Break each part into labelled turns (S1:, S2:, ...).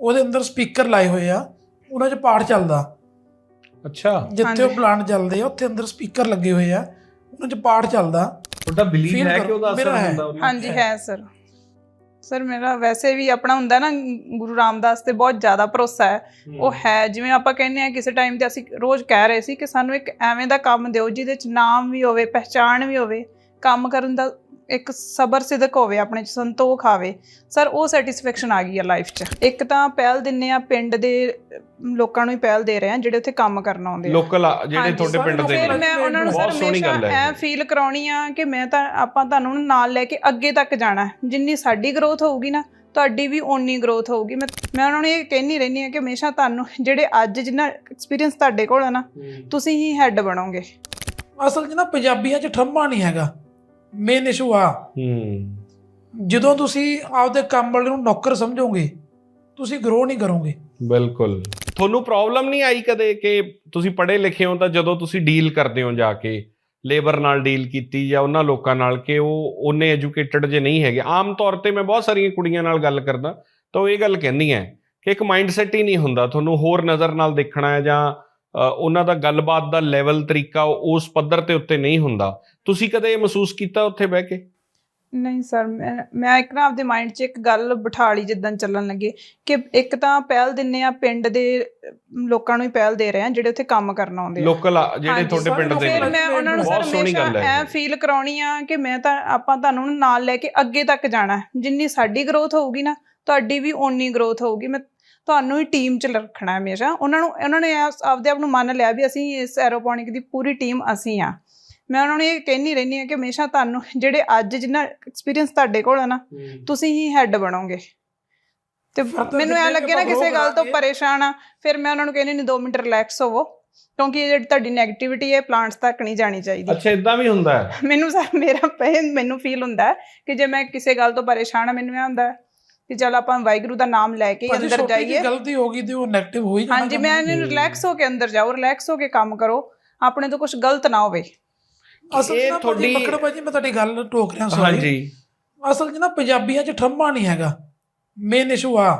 S1: ਉਹਦੇ ਅੰਦਰ ਸਪੀਕਰ ਲਾਏ ਹੋਏ ਆ, ਉਹਨਾਂ 'ਚ ਪਾਠ ਚੱਲਦਾ।
S2: ਅੱਛਾ,
S1: ਜਿੱਥੇ ਉਹ ਪਲਾਂਟ ਚੱਲਦੇ ਆ ਉੱਥੇ ਅੰਦਰ ਸਪੀਕਰ ਲੱਗੇ ਹੋਏ ਆ, ਉਹਨਾਂ 'ਚ ਪਾਠ ਚੱਲਦਾ।
S2: ਤੁਹਾਡਾ ਬਿਲੀਵ ਹੈ ਕਿ ਉਹਦਾ ਅਸਰ
S1: ਮੇਰਾ ਹੈ।
S2: ਹੁੰਦਾ ਉਹਨਾਂ
S3: ਹਾਂਜੀ ਹੈ ਸਰ ਮੇਰਾ ਵੈਸੇ ਵੀ ਆਪਣਾ ਹੁੰਦਾ ਨਾ ਗੁਰੂ ਰਾਮਦਾਸ ਤੇ ਬਹੁਤ ਜ਼ਿਆਦਾ ਭਰੋਸਾ ਹੈ। ਉਹ ਹੈ ਜਿਵੇਂ ਆਪਾਂ ਕਹਿੰਦੇ ਆ ਕਿਸੇ ਟਾਈਮ ਤੇ ਅਸੀਂ ਰੋਜ਼ ਕਹਿ ਰਹੇ ਸੀ ਕਿ ਸਾਨੂੰ ਇੱਕ ਐਵੇਂ ਦਾ ਕੰਮ ਦਿਓ ਜਿਹਦੇ 'ਚ ਨਾਮ ਵੀ ਹੋਵੇ, ਪਹਿਚਾਣ ਵੀ ਹੋਵੇ, ਕੰਮ ਕਰਨ ਦਾ ਇੱਕ ਸਬਰ ਸਿਦਕ ਹੋਵੇ, ਆਪਣੇ 'ਚ ਸੰਤੋਖ ਆਵੇ। ਸਰ ਉਹ ਸੈਟੀਸਫੈਕਸ਼ਨ ਆ ਗਈ ਆ ਲਾਈਫ 'ਚ। ਇੱਕ ਤਾਂ ਪਹਿਲ ਦਿੰਦੇ ਆ ਪਿੰਡ ਦੇ ਲੋਕਾਂ ਨੂੰ ਹੀ ਪਹਿਲ ਦੇ ਰਹੇ ਆ ਜਿਹੜੇ ਉੱਥੇ ਕੰਮ ਕਰਨ ਆਉਂਦੇ ਆ,
S2: ਲੋਕਲ ਜਿਹੜੇ ਤੁਹਾਡੇ ਪਿੰਡ ਦੇ
S3: ਫਿਰ ਮੈਂ ਉਹਨਾਂ ਨੂੰ ਸਰ ਹਮੇਸ਼ਾ ਐ ਫੀਲ ਕਰਾਉਣੀ ਆ ਕਿ ਮੈਂ ਤਾਂ ਆਪਾਂ ਤੁਹਾਨੂੰ ਨਾਲ ਲੈ ਕੇ ਅੱਗੇ ਤੱਕ ਜਾਣਾ। ਜਿੰਨੀ ਸਾਡੀ ਗਰੋਥ ਹੋਊਗੀ ਨਾ ਤੁਹਾਡੀ ਵੀ ਓਨੀ ਗਰੋਥ ਹੋਊਗੀ। ਮੈਂ ਉਹਨਾਂ ਨੂੰ ਇਹ ਕਹਿੰਦੀ ਰਹਿੰਦੀ ਹਾਂ ਕਿ ਹਮੇਸ਼ਾ ਤੁਹਾਨੂੰ ਜਿਹੜੇ ਅੱਜ ਜਿੰਨਾ ਐਕਸਪੀਰੀਅੰਸ ਤੁਹਾਡੇ ਕੋਲ ਆ ਨਾ, ਤੁਸੀਂ ਹੀ ਹੈੱਡ ਬਣੋਗੇ।
S1: ਅਸਲ 'ਚ ਨਾ ਪੰਜਾਬੀਆਂ 'ਚ ਠੰਮਾ ਨਹੀਂ ਹੈਗਾ, ਮੇਨ ਇਸ਼ੂ ਆ। ਜਦੋਂ ਤੁਸੀਂ ਆਪਦੇ ਕੰਮ ਵਾਲੇ ਨੂੰ ਨੌਕਰ ਸਮਝੋਗੇ ਤੁਸੀਂ ਗਰੋ ਨਹੀਂ ਕਰੋਗੇ।
S2: ਬਿਲਕੁਲ। ਤੁਹਾਨੂੰ ਪ੍ਰੋਬਲਮ ਨਹੀਂ ਆਈ ਕਦੇ ਕਿ ਤੁਸੀਂ ਪੜ੍ਹੇ ਲਿਖੇ ਹੋ ਤਾਂ ਜਦੋਂ ਤੁਸੀਂ ਡੀਲ ਕਰਦੇ ਹੋ ਜਾ ਕੇ ਲੇਬਰ ਨਾਲ ਡੀਲ ਕੀਤੀ ਜਾਂ ਉਹਨਾਂ ਲੋਕਾਂ ਨਾਲ ਕਿ ਉਹ ਉਹਨੇ ਐਜੂਕੇਟਡ ਜੇ ਨਹੀਂ ਹੈਗੇ? ਆਮ ਤੌਰ ਤੇ ਮੈਂ ਬਹੁਤ ਸਾਰੀਆਂ ਕੁੜੀਆਂ ਨਾਲ ਗੱਲ ਕਰਦਾ ਤਾਂ ਉਹ ਇਹ ਗੱਲ ਕਹਿੰਦੀਆਂ ਕਿ ਇੱਕ ਮਾਈਂਡ ਸੈਟ ਹੀ ਨਹੀਂ ਹੁੰਦਾ, ਤੁਹਾਨੂੰ ਹੋਰ ਨਜ਼ਰ ਨਾਲ ਦੇਖਣਾ ਹੈ ਜਾਂ ਉਹਨਾਂ ਦਾ ਗੱਲਬਾਤ ਦਾ ਲੈਵਲ ਤਰੀਕਾ ਉਸ ਪੱਧਰ ਤੇ ਉੱਤੇ ਨਹੀਂ ਹੁੰਦਾ। ਤੁਸੀਂ ਕਦੇ ਇਹ ਮਹਿਸੂਸ ਕੀਤਾ ਉੱਥੇ ਬਹਿ ਕੇ?
S3: ਨਹੀਂ ਸਰ ਮੈਂ ਇੱਕ ਨਾ ਆਪਦੇ ਮਾਈਂਡ 'ਚ ਇੱਕ ਗੱਲ ਬਿਠਾ ਲਈ ਜਿੱਦਾਂ ਚੱਲਣ ਲੱਗੇ ਕਿ ਇੱਕ ਤਾਂ ਪਹਿਲ ਦਿੰਦੇ ਆ ਪਿੰਡ ਦੇ ਲੋਕਾਂ ਨੂੰ ਹੀ ਪਹਿਲ ਦੇ ਰਹੇ ਆ ਜਿਹੜੇ ਉੱਥੇ ਕੰਮ ਕਰਨ ਆਉਂਦੇ ਆ,
S2: ਲੋਕਲ ਜਿਹੜੇ ਤੁਹਾਡੇ ਪਿੰਡ ਦੇ।
S3: ਫਿਰ ਮੈਂ ਉਹਨਾਂ ਨੂੰ ਸਰ ਹਮੇਸ਼ਾ ਐ ਫੀਲ ਕਰਾਉਣੀ ਆ ਕਿ ਮੈਂ ਤਾਂ ਆਪਾਂ ਤੁਹਾਨੂੰ ਨਾਲ ਲੈ ਕੇ ਅੱਗੇ ਤੱਕ ਜਾਣਾ। ਜਿੰਨੀ ਸਾਡੀ ਗਰੋਥ ਹੋਊਗੀ ਨਾ ਤੁਹਾਡੀ ਵੀ ਓਨੀ ਗਰੋਥ ਹੋਊਗੀ। ਮੈਂ ਤੁਹਾਨੂੰ ਹੀ ਟੀਮ 'ਚ ਰੱਖਣਾ ਹਮੇਸ਼ਾ। ਉਹਨਾਂ ਨੇ ਆਪਦੇ ਆਪ ਨੂੰ ਮੰਨ ਲਿਆ ਵੀ ਅਸੀਂ ਇਸ ਐਰੋਪੋਨਿਕ ਦੀ ਪੂਰੀ ਟੀਮ ਅਸੀਂ ਆ। ਮੈਂ ਉਹਨਾਂ ਨੂੰ ਇਹ ਕਹਿੰਦੀ ਰਹਿੰਦੀ ਹਾਂ ਕਿ ਹਮੇਸ਼ਾ ਤੁਹਾਨੂੰ ਜਿਹੜੇ ਅੱਜ ਜਿੰਨਾ ਐਕਸਪੀਰੀਅੰਸ ਤੁਹਾਡੇ ਕੋਲ ਆ ਨਾ, ਤੁਸੀਂ ਹੀ ਹੈੱਡ ਬਣੋਗੇ। ਤੇ ਮੈਨੂੰ ਐਂ ਲੱਗੇ ਨਾ ਕਿਸੇ ਗੱਲ ਤੋਂ ਪਰੇਸ਼ਾਨ ਆ, ਫਿਰ ਮੈਂ ਉਹਨਾਂ ਨੂੰ ਕਹਿੰਦੀ ਨਹੀਂ 2 ਮਿੰਟ ਰਿਲੈਕਸ ਹੋਵੋ, ਕਿਉਂਕਿ ਇਹ ਜਿਹੜੀ ਤੁਹਾਡੀ ਨੈਗੇਟਿਵਿਟੀ ਹੈ ਪਲਾਂਟਸ ਤੱਕ ਨਹੀਂ ਜਾਣੀ ਚਾਹੀਦੀ।
S2: ਅੱਛਾ, ਇਦਾਂ ਵੀ ਹੁੰਦਾ ਹੈ?
S3: ਮੈਨੂੰ ਸਰ ਮੈਨੂੰ ਫੀਲ ਹੁੰਦਾ ਕਿ ਜੇ ਮੈਂ ਕਿਸੇ ਗੱਲ ਤੋਂ ਪਰੇਸ਼ਾਨ ਆ, ਮੈਨੂੰ ਇਹ ਹੁੰਦਾ ਕਿ ਚਲ ਆਪਾਂ ਵਾਹਿਗੁਰੂ ਦਾ ਨਾਮ ਲੈ ਕੇ ਅੰਦਰ ਜਾਈਏ।
S1: ਗਲਤੀ ਹੋ ਗਈ ਤੇ ਉਹ ਨੈਗੇਟਿਵ ਹੋ ਹੀ ਜਾਣਾ।
S3: ਹਾਂਜੀ, ਮੈਂ ਰਿਲੈਕਸ ਹੋ ਕੇ ਅੰਦਰ ਜਾਓ, ਰਿਲੈਕਸ ਹੋ ਕੇ ਕੰਮ ਕਰੋ, ਆਪਣੇ ਤੋਂ ਕੁਝ ਗਲਤ ਨਾ ਹੋਵੇ।
S1: ਅਸਲ 'ਚ ਤੁਹਾਡੀ ਮੱਕੜ ਭਾਜੀ ਮੈਂ ਤੁਹਾਡੀ ਗੱਲ ਟੋਕ ਰਿਹਾ। ਹਾਂਜੀ, ਅਸਲ 'ਚ ਨਾ ਪੰਜਾਬੀਆਂ 'ਚ ਠੰਮਾ ਨਹੀਂ ਹੈਗਾ, ਮੇਨ ਇਸ਼ੂ ਆ।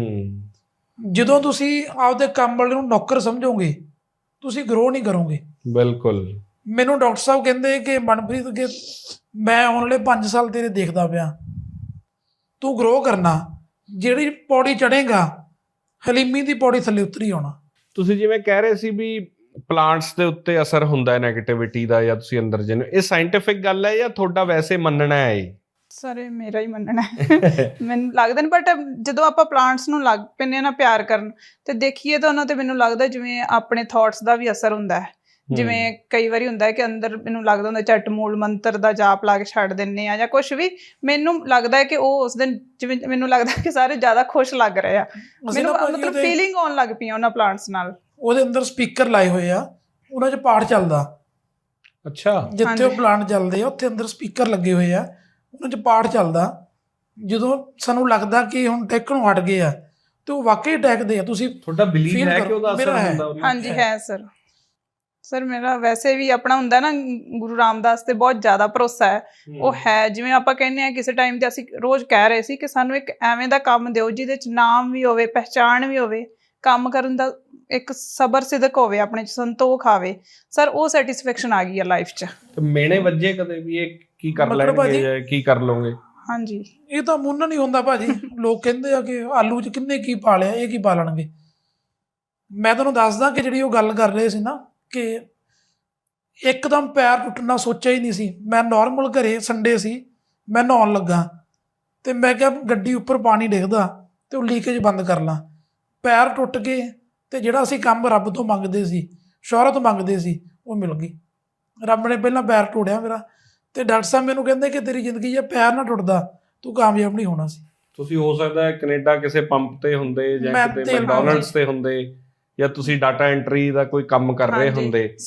S1: ਜਦੋਂ ਤੁਸੀਂ ਆਪਦੇ ਕੰਮ ਵਾਲੇ ਨੂੰ ਨੌਕਰ ਸਮਝੋਗੇ ਤੁਸੀਂ ਗਰੋ ਨਹੀਂ ਕਰੋਗੇ। ਬਿਲਕੁਲ। ਮੈਨੂੰ ਡਾਕਟਰ ਸਾਹਿਬ ਕਹਿੰਦੇ ਕਿ ਮਨਪ੍ਰੀਤ ਕਿ ਮੈਂ ਆਉਣ ਵਾਲੇ 5 ਸਾਲ ਤੇਰੇ ਦੇਖਦਾ ਪਿਆ, ਤੂੰ ਗਰੋ ਕਰਨਾ, ਜਿਹੜੀ ਪੌੜੀ ਚੜ੍ਹੇਗਾ ਹਲੀਮੀ ਦੀ ਪੌੜੀ ਥੱਲੇ ਉਤਰੀ ਆਉਣਾ। ਤੁਸੀਂ
S2: ਜਿਵੇਂ ਕਹਿ ਰਹੇ ਸੀ ਵੀ ਪਲਾਂਟਸ ਦੇ ਉੱਤੇ ਅਸਰ ਹੁੰਦਾ ਹੈ ਨੈਗੇਟਿਵਿਟੀ ਦਾ ਜਾਂ ਤੁਸੀਂ ਅੰਦਰ ਜਿਹਨੂੰ, ਇਹ ਸਾਇੰਟੀਫਿਕ ਗੱਲ ਹੈ ਜਾਂ ਤੁਹਾਡਾ ਵੈਸੇ ਮੰਨਣਾ ਹੈ?
S3: ਸਰ ਇਹ ਮੇਰਾ ਹੀ ਮੰਨਣਾ ਹੈ। ਮੈਨੂੰ ਲੱਗਦਾ ਨਹੀਂ, ਬਟ ਜਦੋਂ ਆਪਾਂ ਪਲਾਂਟਸ ਨੂੰ ਲੱਗ ਪੈਂਦੇ ਨਾ ਪਿਆਰ ਕਰਨ ਤੇ ਦੇਖੀਏ ਤਾਂ ਉਹਨਾਂ ਤੇ ਮੈਨੂੰ ਲੱਗਦਾ ਜਿਵੇਂ ਆਪਣੇ ਥੋਟਸ ਦਾ ਵੀ ਅਸਰ ਹੁੰਦਾ ਹੈ। ਜਿਵੇਂ ਕਈ ਵਾਰੀ ਹੁੰਦਾ ਹੈ ਕਿ ਅੰਦਰ ਮੈਨੂੰ ਲੱਗਦਾ ਹੁੰਦਾ ਝੱਟ ਮੂਲ ਮੰਤਰ ਦਾ ਜਾਪ ਲਾ ਕੇ ਛੱਡ ਦਿੰਦੇ ਆ ਜਾਂ ਕੁਛ ਵੀ, ਮੈਨੂੰ ਲੱਗਦਾ ਹੈ ਕਿ ਉਹ ਉਸ ਦਿਨ ਜਿਵੇਂ ਮੈਨੂੰ ਲੱਗਦਾ ਕਿ ਸਾਰੇ ਜ਼ਿਆਦਾ ਖੁਸ਼ ਲੱਗ ਰਹੇ ਆ। ਮੈਨੂੰ ਮਤਲਬ ਫੀਲਿੰਗ ਆਉਣ ਲੱਗ ਪਈ ਉਹਨਾਂ ਪਲਾਂਟਸ ਨਾਲ। ਉਹਦੇ ਅੰਦਰ ਸਪੀਕਰ ਲਾਏ ਹੋਏ ਆ, ਉਹਨਾਂ 'ਚ ਪਾਠ ਚੱਲਦਾ। ਅੱਛਾ, ਜਿੱਥੇ ਉਹ ਪਲਾਂਟ ਚੱਲਦੇ ਆ ਉੱਥੇ ਅੰਦਰ ਸਪੀਕਰ ਲੱਗੇ ਹੋਏ ਆ, ਉਹਨਾਂ 'ਚ ਪਾਠ ਚੱਲਦਾ। ਜਦੋਂ ਸਾਨੂੰ ਲੱਗਦਾ ਕਿ ਹੁਣ ਟੈਕਣੋਂ ਹਟ ਗਏ ਆ ਤੇ ਉਹ ਵਾਕਈ ਟੈਕਦੇ ਆ। ਤੁਸੀਂ ਤੁਹਾਡਾ ਬਿਲੀਵ ਹੈ ਕਿ ਉਹਦਾ ਅਸਰ ਹੁੰਦਾ? ਹਾਂਜੀ ਹੈ ਸਰ ਮੇਰਾ ਵੈਸੇ ਵੀ ਆਪਣਾ ਹੁੰਦਾ ਨਾ ਗੁਰੂ ਰਾਮਦਾਸ ਤੇ ਬਹੁਤ ਜ਼ਿਆਦਾ ਭਰੋਸਾ ਹੈ। ਉਹ ਹੈ ਜਿਵੇਂ ਆਪਾਂ ਕਹਿੰਦੇ ਆ ਕਿਸੇ ਟਾਈਮ ਤੇ ਅਸੀਂ ਰੋਜ਼ ਕਹਿ ਰਹੇ ਸੀ ਕਿ ਸਾਨੂੰ ਇੱਕ ਐਵੇਂ ਦਾ ਕੰਮ ਦਿਓ ਜਿਹਦੇ 'ਚ ਨਾਮ ਵੀ ਹੋਵੇ, ਪਹਿਚਾਣ ਵੀ ਹੋਵੇ, ਕੰਮ ਕਰਨ ਦਾ ਇੱਕ ਸਬਰ ਸਿਦਕ ਹੋਵੇ, ਆਪਣੇ 'ਚ ਸੰਤੋਖ ਆਵੇ। ਸਰ ਉਹ ਸੈਟੀਸਫੈਕਸ਼ਨ ਆ ਗਈ ਆ ਲਾਈਫ 'ਚ।
S2: ਮੇਨੇ ਵੱਜੇ ਕਦੇ ਵੀ ਇਹ ਕੀ ਕਰ ਲੈਣਗੇ ਜਾਂ ਕੀ ਕਰ ਲਓਗੇ? ਹਾਂਜੀ,
S1: ਇਹ ਤਾਂ ਮੁੰਨ ਨਹੀਂ ਹੁੰਦਾ ਭਾਜੀ। ਲੋਕ ਕਹਿੰਦੇ ਆ ਕਿ ਆਲੂ 'ਚ ਕਿੰਨੇ ਕੀ ਪਾ ਲਿਆ, ਇਹ ਕੀ ਪਾ ਲੈਣਗੇ। ਮੈਂ ਤੁਹਾਨੂੰ ਦੱਸਦਾ ਕਿ ਜਿਹੜੀ ਉਹ ਗੱਲ ਕਰ ਰਹੇ ਸੀ ਨਾ ਕਿ ਇੱਕਦਮ ਪੈਰ ਟੁੱਟਣਾ ਸੋਚਿਆ ਹੀ ਨਹੀਂ ਸੀ। ਮੈਂ ਨੋਰਮਲ ਘਰੇ ਸੰਡੇ ਸੀ, ਮੈਂ ਨਹਾਉਣ ਲੱਗਾ ਤੇ ਮੈਂ ਕਿਹਾ ਗੱਡੀ ਉੱਪਰ ਪਾਣੀ ਡਿੱਗਦਾ ਤੇ ਉਹ ਲੀਕੇਜ ਬੰਦ ਕਰ ਲਾਂ। ਪੈਰ ਟੁੱਟ ਗਏ ਤੇ ਜਿਹੜਾ ਅਸੀਂ ਕੰਮ ਰੱਬ ਤੋਂ ਮੰਗਦੇ ਸੀ, ਸ਼ੋਹਰਤ ਮੰਗਦੇ ਸੀ, ਉਹ ਮਿਲ ਗਈ। ਰੱਬ ਨੇ ਪਹਿਲਾਂ ਪੈਰ ਟੋੜਿਆ ਮੇਰਾ ਤੇ ਡਾਕਟਰ ਸਾਹਿਬ ਮੈਨੂੰ ਕਹਿੰਦੇ ਕਿ ਤੇਰੀ ਜ਼ਿੰਦਗੀ 'ਚ ਪੈਰ ਨਾ ਟੁੱਟਦਾ ਤੂੰ ਕਾਮਯਾਬ ਨਹੀਂ ਹੋਣਾ ਸੀ।
S2: ਤੁਸੀਂ ਹੋ ਸਕਦਾ ਕੈਨੇਡਾ ਕਿਸੇ ਪੰਪ ਤੇ ਹੁੰਦੇ ਜਾਂ ਕਿਤੇ ਮੈਕਡੋਨਲਡਸ ਤੇ ਹੁੰਦੇ ਜਾਂ ਤੁਸੀਂ ਡਾਟਾ ਐਂਟਰੀ ਦਾ ਕੋਈ ਕੰਮ ਕਰ ਰਹੇ ਹੁੰਦੇ।